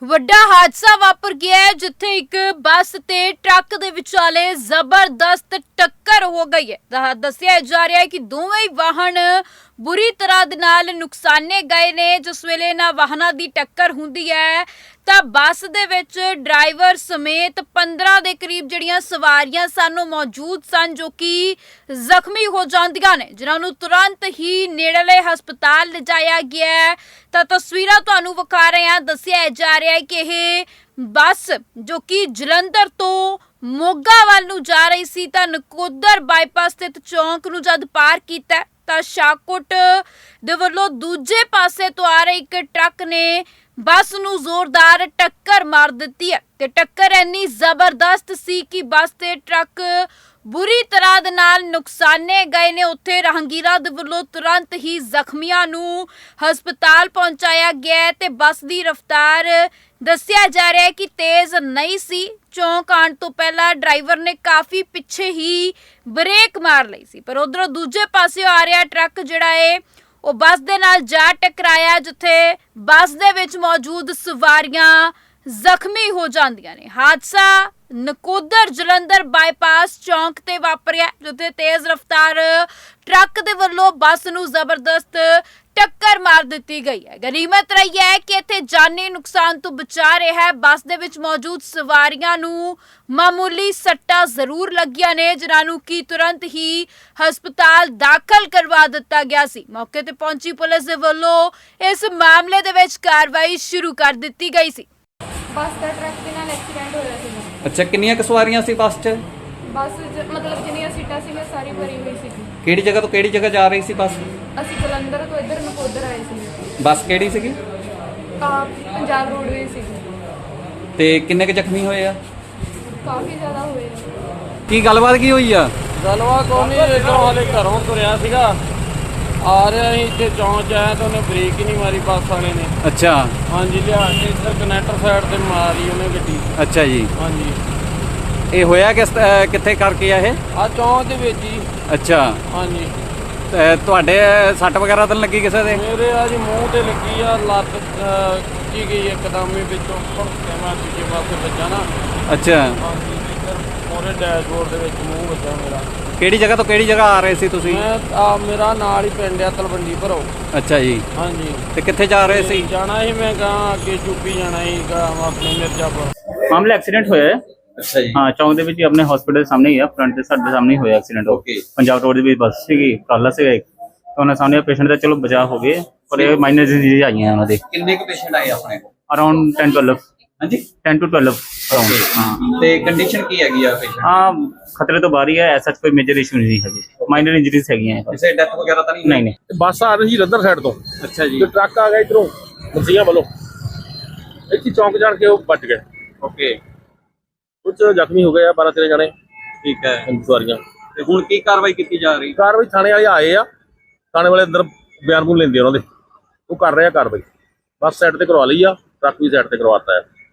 ਵੱਡਾ ਹਾਦਸਾ ਵਾਪਰ ਗਿਆ ਹੈ ਜਿੱਥੇ ਇੱਕ ਬੱਸ ਤੇ ਟਰੱਕ ਦੇ ਵਿਚਾਲੇ ਜ਼ਬਰਦਸਤ ਟੱਕਰ ਹੋ ਗਈ ਹੈ। ਦੱਸਿਆ ਜਾ ਰਿਹਾ ਹੈ ਕਿ ਦੋਵੇਂ ਹੀ ਵਾਹਨ ਬੁਰੀ ਤਰ੍ਹਾਂ ਦੇ ਨਾਲ ਨੁਕਸਾਨੇ ਗਏ ਨੇ। ਜਿਸ ਵੇਲੇ ਇਹਨਾਂ ਵਾਹਨਾਂ ਦੀ ਟੱਕਰ ਹੁੰਦੀ ਹੈ ਤਾਂ ਬੱਸ ਦੇ ਵਿੱਚ ਡਰਾਈਵਰ ਸਮੇਤ 15 ਦੇ ਕਰੀਬ ਜਿਹੜੀਆਂ ਸਵਾਰੀਆਂ ਸਨ ਮੌਜੂਦ ਸਨ ਜੋ ਕਿ ਜ਼ਖਮੀ ਹੋ ਜਾਂਦੀਆਂ ਨੇ, ਜਿਨ੍ਹਾਂ ਨੂੰ ਤੁਰੰਤ ਹੀ ਨੇੜਲੇ ਹਸਪਤਾਲ ਲਿਜਾਇਆ ਗਿਆ ਹੈ। ਤਾਂ ਤਸਵੀਰਾਂ ਤੁਹਾਨੂੰ ਵਿਖਾ ਰਹੇ ਹਾਂ। ਦੱਸਿਆ ਜਾ ਰਿਹਾ ਹੈ ਕਿ ਇਹ ਬੱਸ ਜੋ ਕਿ ਜਲੰਧਰ ਤੋਂ ਮੋਗਾ ਵੱਲ ਨੂੰ ਜਾ ਰਹੀ ਸੀ ਤਾਂ ਨਕੋਦਰ ਬਾਈਪਾਸ ਸਥਿਤ ਚੌਂਕ ਨੂੰ ਜਦ ਪਾਰ ਕੀਤਾ ਤਾਂ ਸ਼ਾਹਕੋਟ ਦੇ ਵੱਲੋਂ ਦੂਜੇ ਪਾਸੇ ਤੋਂ ਆ ਰਹੇ ਇੱਕ ਟਰੱਕ ਨੇ ਬੱਸ ਨੂੰ ਜ਼ੋਰਦਾਰ ਟੱਕਰ ਮਾਰ ਦਿੱਤੀ ਹੈ ਤੇ ਟੱਕਰ ਇੰਨੀ ਜ਼ਬਰਦਸਤ ਸੀ ਕਿ ਬੱਸ ਤੇ ਟਰੱਕ ਬੁਰੀ ਤਰ੍ਹਾਂ ਦੇ ਨਾਲ ਨੁਕਸਾਨੇ ਗਏ ਨੇ। ਉੱਥੇ ਰਾਹਗੀਰਾਂ ਦੇ ਵੱਲੋਂ ਤੁਰੰਤ ਹੀ ਜ਼ਖਮੀਆਂ ਨੂੰ ਹਸਪਤਾਲ ਪਹੁੰਚਾਇਆ ਗਿਆ ਤੇ ਬੱਸ ਦੀ ਰਫ਼ਤਾਰ ਦੱਸਿਆ ਜਾ ਰਿਹਾ ਹੈ ਕਿ ਤੇਜ਼ ਨਹੀਂ ਸੀ। ਚੌਂਕ ਆਉਣ ਤੋਂ ਪਹਿਲਾਂ ਡਰਾਈਵਰ ਨੇ ਕਾਫੀ ਪਿੱਛੇ ਹੀ ਬ੍ਰੇਕ ਮਾਰ ਲਈ ਸੀ, ਪਰ ਉਧਰੋਂ ਦੂਜੇ ਪਾਸੇ ਆ ਰਿਹਾ ਟਰੱਕ ਜਿਹੜਾ ਹੈ ਉਹ ਬੱਸ ਦੇ ਨਾਲ ਜਾ ਟਕਰਾਇਆ, ਜਿੱਥੇ ਬੱਸ ਦੇ ਵਿੱਚ ਮੌਜੂਦ ਸਵਾਰੀਆਂ ਜ਼ਖਮੀ ਹੋ ਜਾਂਦੀਆਂ ਨੇ। ਹਾਦਸਾ ਨਕੋਦਰ ਜਲੰਧਰ ਬਾਈਪਾਸ ਚੌਂਕ ਤੇ ਵਾਪਰਿਆ, ਜਿੱਥੇ ਤੇਜ਼ ਰਫ਼ਤਾਰ ਟਰੱਕ ਦੇ ਵੱਲੋਂ ਬੱਸ ਨੂੰ ਜ਼ਬਰਦਸਤ ਟੱਕਰ ਮਾਰ ਦਿੱਤੀ ਗਈ ਹੈ। ਗਨੀਮਤ ਰਹੀ ਹੈ ਕਿ ਇੱਥੇ ਜਾਨੀ ਨੁਕਸਾਨ ਤੋਂ ਬਚਾ ਰਿਹਾ ਹੈ। ਬੱਸ ਦੇ ਵਿੱਚ ਮੌਜੂਦ ਸਵਾਰੀਆਂ ਨੂੰ ਮਾਮੂਲੀ ਸੱਟਾਂ ਜ਼ਰੂਰ ਲੱਗੀਆਂ ਨੇ, ਜਿਨ੍ਹਾਂ ਨੂੰ ਕਿ ਤੁਰੰਤ ਹੀ ਹਸਪਤਾਲ ਦਾਖਲ ਕਰਵਾ ਦਿੱਤਾ ਗਿਆ ਸੀ। ਮੌਕੇ ਤੇ ਪਹੁੰਚੀ ਪੁਲਿਸ ਦੇ ਵੱਲੋਂ ਇਸ ਮਾਮਲੇ ਦੇ ਵਿੱਚ ਕਾਰਵਾਈ ਸ਼ੁਰੂ ਕਰ ਦਿੱਤੀ ਗਈ ਸੀ। ਬੱਸ ਦਾ ਟਰੱਕ ਦੇ ਨਾਲ ਐਕਸੀਡੈਂਟ ਹੋਇਆ ਸੀ। ਅੱਛਾ, ਕਿੰਨੀਆਂ ਕੁ ਸਵਾਰੀਆਂ ਸੀ ਬੱਸ 'ਚ? ਬੱਸ ਮਤਲਬ ਜਿੰਨੀਆਂ ਸੀਟਾਂ ਸੀਗੀਆਂ ਸਾਰੀ ਭਰੀ ਹੋਈ ਸੀ। ਕਿਹੜੀ ਜਗ੍ਹਾ ਤੋਂ ਕਿਹੜੀ ਜਗ੍ਹਾ ਜਾ ਰਹੀ ਸੀ ਬੱਸ? ਅਸੀਂ ਜਲੰਧਰ ਤੋਂ ਇੱਧਰ ਨਕੋਦਰ ਆਏ ਸੀ। ਬੱਸ ਕਿਹੜੀ ਸੀਗੀ? ਪੰਜਾਬ ਰੋਡਵੇਜ਼ ਸੀ। ਤੇ ਕਿੰਨੇ ਕੁ ਜ਼ਖਮੀ ਹੋਏ ਆ? ਕਾਫੀ ਜ਼ਿਆਦਾ ਹੋਏ। ਕੀ ਗੱਲਬਾਤ ਕੀ ਹੋਈ ਆ? ਗੱਲਬਾਤ ਕੋਈ ਨਹੀਂ, ਇੱਧਰੋਂ ਹਾਲੇ ਘਰੋਂ ਤੁਰਿਆ ਸੀਗਾ, ਆ ਰਿਹਾ ਸੀ ਇੱਥੇ ਚੌਂਕ 'ਚ ਆਇਆ ਤਾਂ ਉਹਨੇ ਬ੍ਰੇਕ ਹੀ ਨਹੀਂ ਮਾਰੀ ਬੱਸ ਵਾਲੇ ਨੇ। ਅੱਛਾ। ਹਾਂਜੀ, ਲਿਆ ਕੇ ਇੱਧਰ ਕਨੈਕਟਰ ਸਾਈਡ ਤੇ ਮਾਰੀ ਉਹਨੇ ਗੱਡੀ। ਅੱਛਾ ਜੀ। ਹਾਂਜੀ। ਇਹ ਹੋਇਆ ਕਿੱਥੇ ਕਰਕੇ ਆ ਇਹ? ਆ ਚੌਂਕ ਦੇ ਵਿੱਚ ਹੀ। ਅੱਛਾ। ਹਾਂਜੀ। ਤੇ ਤੁਹਾਡੇ ਸੱਟ ਵਗੈਰਾ ਤਾਂ ਨੀ ਲੱਗੀ ਕਿਸੇ ਦੇ? ਮੇਰੇ ਆ ਜੀ ਮੂੰਹ ਤੇ ਲੱਗੀ ਆ, ਲੱਤ ਕੀ ਗਈ ਇੱਕਦਮ ਹੀ ਵਿੱਚੋਂ ਭੜਕੇ ਮੈਂ ਦੂਜੇ ਪਾਸੇ ਵੱਜਾ ਨਾ। ਅੱਛਾ। ਹਾਂਜੀ, ਇੱਧਰ ਮੋਰੇ ਡੈਸ਼ਬੋਰਡ ਦੇ ਵਿੱਚ ਮੂੰਹ ਵੱਜਾ ਮੇਰਾ। ਕਿਹੜੀ ਜਗ੍ਹਾ ਤੋਂ ਕਿਹੜੀ ਜਗ੍ਹਾ ਆ ਰਹੇ ਸੀ ਤੁਸੀਂ? ਮੈਂ ਮੇਰਾ ਨਾਲ ਹੀ ਪਿੰਡ ਆ ਤਲਵੰਡੀ ਭਰੋ। ਅੱਛਾ ਜੀ। ਹਾਂਜੀ। ਤੇ ਕਿੱਥੇ ਜਾ ਰਹੇ ਸੀ? ਜਾਣਾ ਸੀ ਮੈਂ ਕਹਾਂ ਅੱਗੇ ਯੂਪੀ ਜਾਣਾ ਸੀ ਆਪਣੇ ਮਿਰਜ਼ਾਪੁਰ। ਮਾਮਲਾ ਐਕਸੀਡੈਂਟ ਹੋਇਆ ਹੈ। ਅੱਛਾ ਜੀ। ਹਾਂ, ਚੌਂਕ ਦੇ ਵਿੱਚ ਹੀ ਆਪਣੇ ਹਸਪੀਟਲ ਦੇ ਸਾਹਮਣੇ ਹੀ ਆ, ਫਰੰਟ ਦੇ ਸਾਡੇ ਸਾਹਮਣੇ ਹੀ ਹੋਇਆ ਐਕਸੀਡੈਂਟ। ਓਕੇ। ਪੰਜਾਬ ਰੋਡ ਦੇ ਵਿੱਚ ਬੱਸ ਸੀਗੀ, ਕਾਲਾ ਸੀਗਾ ਇੱਕ, ਤਾਂ ਉਹਨਾਂ ਸਾਹਮਣੇ ਪੇਸ਼ੈਂਟ ਦਾ ਚਲੋ ਬਚਾਅ ਹੋ ਗਏ, ਪਰ ਇਹ ਮਾਈਨਰ ਡਿਜ਼ੀਜ਼ ਆਈਆਂ ਉਹਨਾਂ ਦੇ। ਕਿੰਨੇ ਕੁ ਪੇਸ਼ੈਂਟ ਆਏ ਆਪਣੇ ਕੋਲ? ਅਰਾਊਂਡ 10-12। ਹਾਂਜੀ, 10 to 12 ਅਰਾਊਂਡ। ਹਾਂ। ਤੇ ਕੰਡੀਸ਼ਨ ਕੀ ਹੈਗੀ ਆ ਪੇਸ਼ੈਂਟ? ਹਾਂ, ਖਤਰੇ ਤੋਂ ਬਾਹਰ ਹੀ ਹੈ, ਐਸਾ ਕੋਈ ਮੇਜਰ ਇਸ਼ੂ ਨਹੀਂ ਹੈਗੇ, ਮਾਈਨਰ ਇੰਜਰੀਜ਼ ਹੈਗੀਆਂ। ਕਿਸੇ ਡੈਥ ਵਗੈਰਾ ਤਾਂ ਨਹੀਂ? ਨਹੀਂ ਨਹੀਂ। ਬੱਸ ਆ ਰਹੀ ਸੀ ਜਲੰਧਰ ਸਾਈਡ ਤੋਂ। ਅੱਛਾ ਜੀ। ਤੇ ਟਰੱਕ ਆ ਗਿਆ ਇਧਰੋਂ ਮਸੀਆਂ ਵੱਲੋਂ, ਇੱਥੇ ਚੌਂਕ ਜਾਣ ਕੇ ਉਹ ਵੱਜ ਗਏ। ਓਕੇ। ਕੁਝ ਜ਼ਖਮੀ ਹੋ ਗਏ ਆ, 12-13 ਜਣੇ ਠੀਕ ਹੈ। ਸਵਾਰੀਆਂ। ਤੇ ਹੁਣ ਕੀ ਕਾਰਵਾਈ ਕੀਤੀ ਜਾ ਰਹੀ? ਕਾਰਵਾਈ ਥਾਣੇ ਵਾਲੇ ਆਏ ਆ, ਥਾਣੇ ਵਾਲੇ ਅੰਦਰ ਬਿਆਨ ਬੂਨ ਲੈਂਦੇ ਉਹਨਾਂ ਦੇ, ਉਹ ਕਰ ਰਹੇ ਆ ਕਾਰਵਾਈ। ਬੱਸ ਸਾਈਡ ਤੇ ਕਰਵਾ ਲਈ ਆ, ਟਰੱਕ ਵੀ ਸਾਈਡ ਤੇ ਕਰਵਾਤਾ ਹੈ।